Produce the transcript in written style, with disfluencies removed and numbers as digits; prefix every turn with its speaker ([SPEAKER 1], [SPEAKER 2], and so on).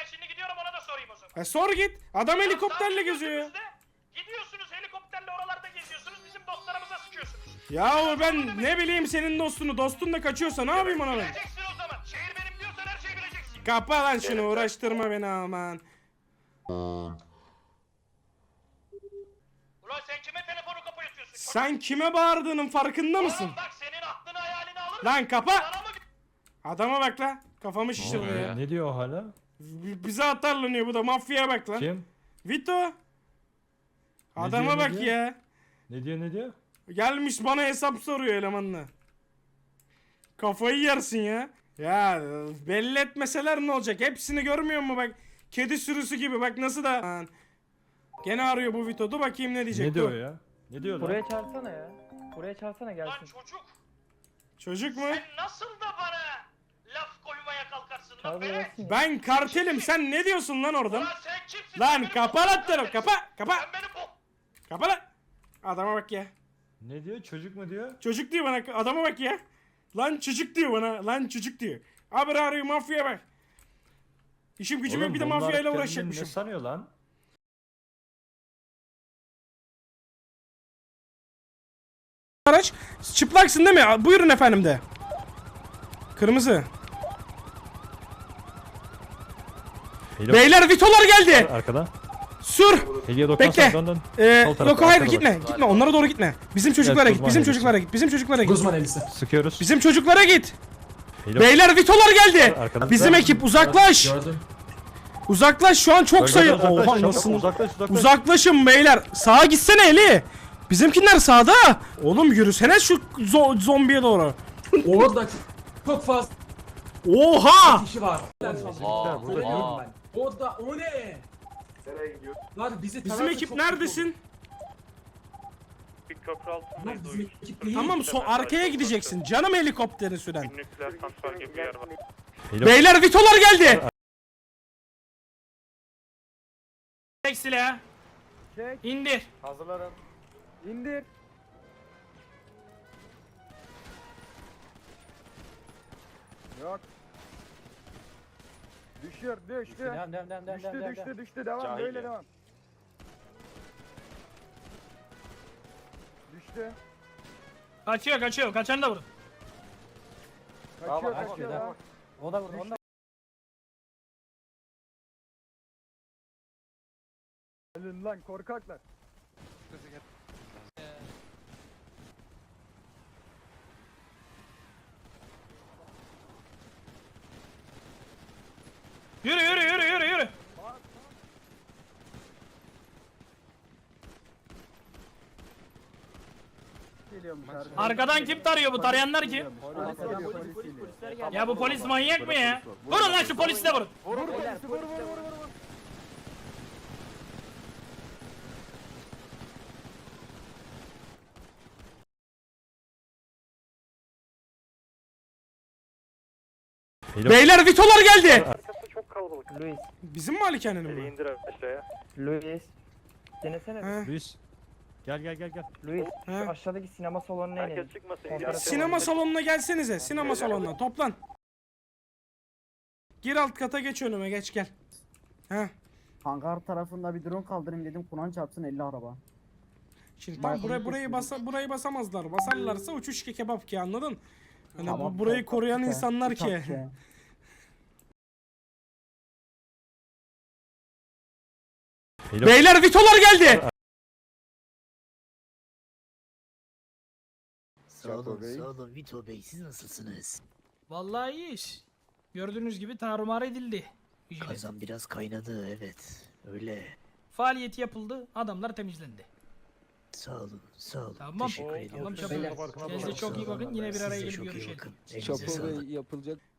[SPEAKER 1] ben şimdi gidiyorum ona da sorayım o zaman.
[SPEAKER 2] Sor git. Adam
[SPEAKER 1] Ya
[SPEAKER 2] helikopterle
[SPEAKER 1] sadece
[SPEAKER 2] geziyor ya.
[SPEAKER 1] gözünüzde Gidiyorsunuz helikopterle oralarda geziyorsunuz bizim dostlarımıza sıkıyorsunuz.
[SPEAKER 2] Yahu ben ne bileyim senin dostunu. Dostun da kaçıyorsa ne yapayım ona ben?
[SPEAKER 1] Bileceksin o zaman. Şehir benim diyorsan her şeyi bileceksin.
[SPEAKER 2] Kapa lan şunu, uğraştırma beni aman.
[SPEAKER 1] Ulan sen kime telefonu kapatıyorsun?
[SPEAKER 2] Sen kime bağırdığının farkında mısın?
[SPEAKER 1] Oğlum bak senin aklını hayalini alır.
[SPEAKER 2] Lan kapa!
[SPEAKER 1] Sana mı?
[SPEAKER 2] Adama bak lan. Kafamı şişirdi ya.
[SPEAKER 3] Ne diyor o hala?
[SPEAKER 2] Bize atarlanıyor bu da, mafyaya bak lan.
[SPEAKER 3] Kim?
[SPEAKER 2] Vito. Adama
[SPEAKER 3] diyor, ne
[SPEAKER 2] bak
[SPEAKER 3] diyor?
[SPEAKER 2] ya.
[SPEAKER 3] Ne diyor?
[SPEAKER 2] Gelmiş bana hesap soruyor elemanla. Kafayı yersin ya. Ya belli etmeseler ne olacak? Hepsini görmüyor mu bak? Kedi sürüsü gibi bak nasıl da. Lan. Gene arıyor bu Vito. Dur bakayım ne diyecek.
[SPEAKER 3] Ne diyor
[SPEAKER 2] dur.
[SPEAKER 3] ya? Ne diyor lan?
[SPEAKER 4] Buraya çağırsana ya. Buraya çağırsana
[SPEAKER 1] Lan
[SPEAKER 4] gelsin.
[SPEAKER 1] çocuk
[SPEAKER 2] Çocuk mu?
[SPEAKER 1] sen nasıl da bana laf koymaya kalkarsın lan
[SPEAKER 4] Çağır
[SPEAKER 1] beni?
[SPEAKER 4] gelsin ya.
[SPEAKER 2] Ben kartelim. Sen ne diyorsun lan oradan?
[SPEAKER 1] Ulan sen kimsin?
[SPEAKER 2] Lan
[SPEAKER 1] Sen benim
[SPEAKER 2] kapa
[SPEAKER 1] boklumu
[SPEAKER 2] lan telefonu.
[SPEAKER 1] kardeşim.
[SPEAKER 2] Kapa. Kapa.
[SPEAKER 1] Sen benim bok.
[SPEAKER 2] Kapa lan. Adama bak ya.
[SPEAKER 3] Ne diyor? Çocuk mu diyor?
[SPEAKER 2] Çocuk diyor bana. Adama bak ya. Lan çocuk diyor bana. Lan çocuk diyor. Abi arıyor mafya bak. İşim gücüm yok, bir de
[SPEAKER 3] bunlar
[SPEAKER 2] mafyayla
[SPEAKER 3] kendini
[SPEAKER 2] uğraşacakmışım.
[SPEAKER 3] Ne sanıyor lan?
[SPEAKER 2] Araç. Çıplaksın değil mi? Buyurun efendim de. Kırmızı. Beyler Vitolar geldi.
[SPEAKER 3] Arkada.
[SPEAKER 2] Sür.
[SPEAKER 3] Hediye doktor.
[SPEAKER 2] Bekle.
[SPEAKER 3] Dön. Sol tarafa,
[SPEAKER 2] Yok hayır
[SPEAKER 3] arkada
[SPEAKER 2] gitme.
[SPEAKER 3] bak.
[SPEAKER 2] Gitme. Onlara doğru gitme. Bizim çocuklara
[SPEAKER 3] Evet,
[SPEAKER 2] git.
[SPEAKER 3] Guzman
[SPEAKER 2] Bizim
[SPEAKER 3] elbise.
[SPEAKER 2] çocuklara git. Bizim çocuklara git.
[SPEAKER 5] Guzman elbise.
[SPEAKER 3] Sıkıyoruz.
[SPEAKER 2] Bizim çocuklara git.
[SPEAKER 3] Hediye-
[SPEAKER 2] Beyler Vitolar geldi.
[SPEAKER 3] Arkadan.
[SPEAKER 2] Bizim ekip uzaklaş.
[SPEAKER 5] Gördüm.
[SPEAKER 2] Uzaklaş şu an çok
[SPEAKER 3] Bölgeden
[SPEAKER 2] sayı.
[SPEAKER 3] uzaklaş,
[SPEAKER 2] Oha
[SPEAKER 3] çabuk,
[SPEAKER 2] nasıl?
[SPEAKER 3] uzaklaş.
[SPEAKER 2] Uzaklaşın beyler. Sağa gitsene Eli. Bizimkiler sağda. Oğlum yürüsene şu zombiye doğru.
[SPEAKER 5] Orada çok fazla
[SPEAKER 2] Oha!
[SPEAKER 5] kişi var.
[SPEAKER 3] Bizimkiler burada yok.
[SPEAKER 5] Orada o ne? Nereye gidiyor? Lan bizi
[SPEAKER 2] Bizim
[SPEAKER 5] tarafta
[SPEAKER 2] ekip
[SPEAKER 5] çok
[SPEAKER 2] neredesin?
[SPEAKER 6] Bir köprü
[SPEAKER 5] Lan
[SPEAKER 6] altındayız.
[SPEAKER 5] bizim ekip değil.
[SPEAKER 2] Tamam arkaya gideceksin. Canım helikopterini süren.
[SPEAKER 6] Nükleer santral gibi bir yer var.
[SPEAKER 2] Beyler Vitolar geldi. Çek silahı.
[SPEAKER 4] Çek.
[SPEAKER 2] İndir.
[SPEAKER 4] Hazırlarım. İndir. Yok. Düşür, düştü. Düştü, devam, böyle devam. Düştü.
[SPEAKER 2] Kaçıyor. Kaçanı da vurun.
[SPEAKER 4] Kaçıyor, devam. O da vurdu, onu da. Ölün lan korkaklar.
[SPEAKER 2] Yürü.
[SPEAKER 4] Geliyormuş
[SPEAKER 2] Arkadan kim tarıyor bu? Tarayanlar kim?
[SPEAKER 4] Polisler geldi.
[SPEAKER 2] Ya bu polis manyak mı ya? Vurun lan şu polisi de vurun.
[SPEAKER 4] Vur, vur.
[SPEAKER 2] Beyler Vitolar geldi.
[SPEAKER 6] Arkası çok kalabalık.
[SPEAKER 4] Luis,
[SPEAKER 2] Bizim malikanenin mi?
[SPEAKER 6] İndir aşağıya.
[SPEAKER 4] Luis. Denesene.
[SPEAKER 2] He.
[SPEAKER 3] Luis. Gel.
[SPEAKER 4] Luis,
[SPEAKER 2] He.
[SPEAKER 4] şu aşağıdaki sinema salonuna inelim.
[SPEAKER 6] Herkes çıkmasın.
[SPEAKER 4] Fotoğraf-
[SPEAKER 2] Sinema salonuna gelsenize. Sinema salonuna toplan. Gir alt kata, geç önüme, geç gel. He.
[SPEAKER 7] Hangar tarafında bir drone kaldırayım dedim. Kur'an çarpsın 50 araba.
[SPEAKER 2] Şimdi tam burayı basamazlar. Basarlarsa uçuş ki kebap ki, anladın? Hani bu burayı koruyan insanlar ki. Beyler Vitolar geldi.
[SPEAKER 8] Sağ olun Vito Bey, siz nasılsınız?
[SPEAKER 9] Vallahi iyi iş. Gördüğünüz gibi tarumar edildi. Vigilante.
[SPEAKER 8] Kazan biraz kaynadı, evet. Öyle.
[SPEAKER 9] Faaliyeti yapıldı, adamlar temizlendi.
[SPEAKER 8] Sağ olun.
[SPEAKER 9] Tamam.
[SPEAKER 8] Teşekkür ediyorum.
[SPEAKER 9] Tamam çabuk. Kendinize çok iyi bakın. Yine bir araya gelip görüşelim.
[SPEAKER 8] Çok
[SPEAKER 7] yapılacak